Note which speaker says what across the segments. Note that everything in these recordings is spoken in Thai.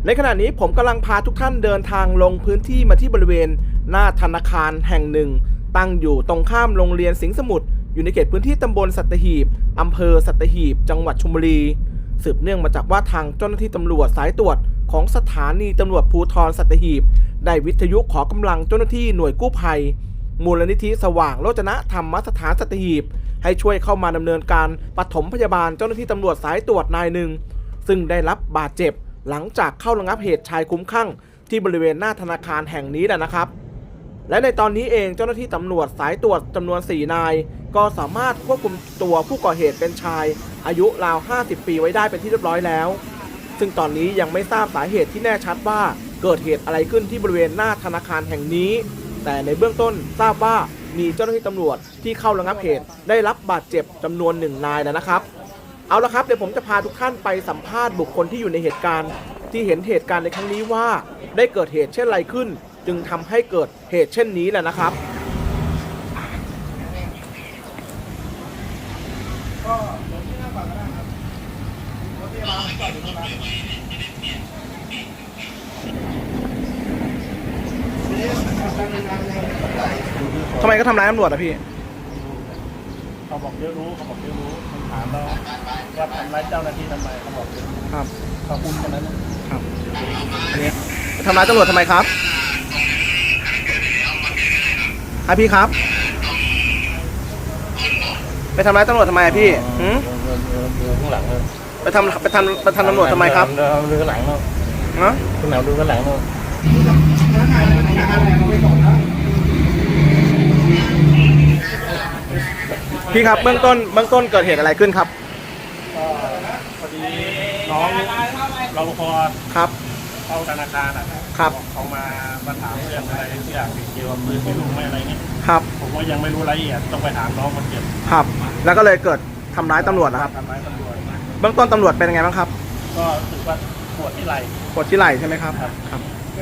Speaker 1: ในขณะนี้ผมกำลังพาทุกท่านเดินทางลงพื้นที่มาที่บริเวณหน้าธนาคารแห่งหนึ่งตั้งอยู่ตรงข้ามโรงเรียนสิงห์สมุทรอยู่ในเขตพื้นที่ตำบลสัตหีบอำเภอสัตหีบจังหวัดชลบุรีสืบเนื่องมาจากว่าทางเจ้าหน้าที่ตำรวจสายตรวจของสถานีตำรวจภูธรสัตหีบได้วิทยุขอกำลังเจ้าหน้าที่หน่วยกู้ภัยมูลนิธิสว่างโรจนธรรมสถานสัตหีบให้ช่วยเข้ามาดำเนินการปฐมพยาบาลเจ้าหน้าที่ตำรวจสายตรวจนายหนึ่งซึ่งได้รับบาดเจ็บหลังจากเข้าระงับเหตุชายคุ้มคลั่งที่บริเวณหน้าธนาคารแห่งนี้นะครับและในตอนนี้เองเจ้าหน้าที่ตำรวจสายตรวจจำนวน4 นายก็สามารถควบคุมตัวผู้ก่อเหตุเป็นชายอายุราว50 ปีไว้ได้เป็นที่เรียบร้อยแล้วซึ่งตอนนี้ยังไม่ทราบสาเหตุที่แน่ชัดว่าเกิดเหตุอะไรขึ้นที่บริเวณหน้าธนาคารแห่งนี้แต่ในเบื้องต้นทราบว่ามีเจ้าหน้าที่ตำรวจที่เข้าระงับเหตุได้รับบาดเจ็บจำนวน1 นายนะครับเอาละครับเดี๋ยวผมจะพาทุกท่านไปสัมภาษณ์บุคคลที่อยู่ในเหตุการณ์ที่เห็นเหตุการณ์ในครั้งนี้ว่าได้เกิดเหตุเช่นไรขึ้นจึงทำให้เกิดเหตุเช่นนี้แหละนะครับทำไมก็ทำร้ายตำรวจอะพี่
Speaker 2: เขาบอกเยอะรู้เขาบอกเยอะรู้ผมถามแล้วว่าทำร้ายเจ้าหน้าที่ทำไมเขาบอกเยอะ
Speaker 1: ครับ
Speaker 2: เขาพูดคนนั้น
Speaker 1: ครับอันนี้ทำร้ายตำรวจทำไมครับพี่ครับไปทำร้ายตำรวจทำไมพี่
Speaker 2: ข้างหลังเลย
Speaker 1: ไปทำตำรวจทำไมครับ
Speaker 2: ดูข้างหลังเนาะ
Speaker 1: ฮะ
Speaker 2: ข้างหลังดูข้างหลังเนาะ
Speaker 1: พี่ครับเบื้องต้นเกิดเหตุอะไรขึ้นครับ
Speaker 2: พอดีน้องรปภ
Speaker 1: ครับ
Speaker 2: เข้าธนาคาร
Speaker 1: ครับ
Speaker 2: เขามาถามเรื่องอะไรที่อยากเกี่ยวกับปืนที่ลุงไม่อะไรเงี้ย
Speaker 1: ครับ
Speaker 2: ผมว่ายังไม่รู้รายละเอียดต้องไปถามน้องคนเจ็บ
Speaker 1: ครับแล้วก็เลยเกิดทำร้ายตำรวจนะครับ
Speaker 2: ทำร้ายตำรวจ
Speaker 1: เบื้องต้นตำรวจเป็นยังไงบ้างครับ
Speaker 2: ก็รู้สึกว่าปวดที่ไห
Speaker 1: ล่ใช่ไหมครับครับ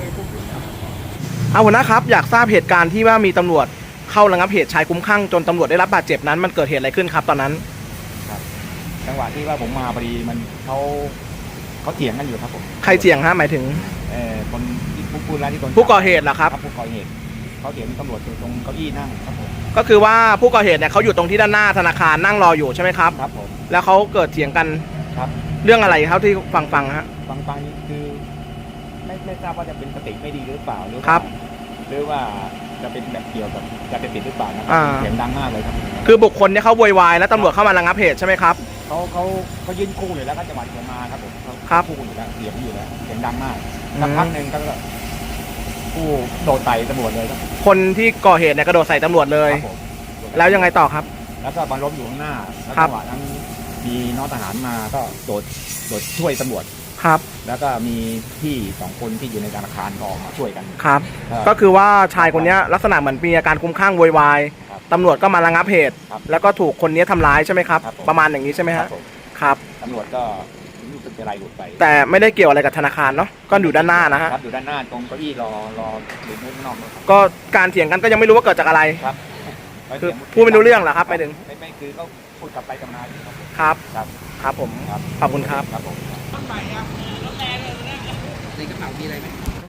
Speaker 1: หัวหน้าครับอยากทราบเหตุการณ์ที่ว่ามีตำรวจเข้าระงับเหตุชายคุ้มคลั่งจนตำรวจได้รับบาดเจ็บนั้นมันเกิดเหตุอะไรขึ้นครับตอนนั้น
Speaker 3: ครับจังหวะที่ว่าผมมาพอดีมันเขาเถียงกันอยู่ครับผม
Speaker 1: ใครเถียงฮะหมายถึง
Speaker 3: คนที่พูดแล้วที่คน
Speaker 1: ผู้ก่อเหตุเหรอครับ
Speaker 3: ผู้ก่อเหตุเขาเถียงตำรวจอยู่ตรงเก้าอี้นั่งครับผม
Speaker 1: ก็คือว่าผู้ก่อเหตุเนี่ยเขาอยู่ตรงที่ด้านหน้าธนาคารนั่งรออยู่ใช่ไหมครับ
Speaker 3: ครับผม
Speaker 1: แล้วเขาเกิดเถียงกัน
Speaker 3: ครับ
Speaker 1: เรื่องอะไรเขาที่ฟังฮะ
Speaker 3: ฟังนี่คือไม่ทราบว่าจะเป็นสติไม่ดีหรือเปล่าหรือว่าจะเป็นแบบเกี่ยวกับจะเป็นติดหรือเปล่านะเสียงดังมากเลยครับ
Speaker 1: คือบุคคลเนี่ยเขาโวยวายแล้วตำรวจเข้ามาระงับเหตุใช่ไหมครับ
Speaker 3: เขายืนคู่เลยแล้วก็จังหวะที่มาครับผมเขาคู่อยู่แล้วเสียงอยู่แล้วเสียงดังมากสักพักหนึ่งก็ผู้โดดใส่ตำรวจเลยครับ
Speaker 1: คนที่ก่อเหตุเนี่ยกระโดดใส่ตำรวจเลยแล้วยังไงต่อครับ
Speaker 3: แล้วก็บรรล้มอยู่ข้างหน้าแล้วจังหวะนั้นมีน้องทหารมาก็โดดช่วยตำรวจ
Speaker 1: ครับ
Speaker 3: แล้วก็มีพี่2 คนที่อยู่ในธนาคารก็ออกมาช่วยกัน
Speaker 1: ครับก็คือว่าชายคนนี้ลักษณะเหมือนมีอาการคลุ้มคลั่งโวยวายตำรวจก็มาระงับเหตุแล้วก็ถูกคนนี้ทำร้ายใช่ไหมครับประมาณอย่างนี้ใช่ไหมครับ
Speaker 3: ตำรวจก็รู้สึกจะไล่หลุดไป
Speaker 1: แต่ไม่ได้เกี่ยวอะไรกับธนาคารเนาะก็อยู่ด้านหน้านะฮะ
Speaker 3: อยู่ด้านหน้าตรงเก้าอี้รอหรือข้างนอก
Speaker 1: ก็การเถียงกันก็ยังไม่รู้ว่าเกิดจากอะไร
Speaker 3: ครับ
Speaker 1: คือพูดไม่รู้เรื่องเหรอครับไปถึง
Speaker 3: ไม่คือก็พูดกลับไปกลับมา
Speaker 1: ครับผมขอบคุณครับ
Speaker 3: ในกระเป๋ามีอะไรไหม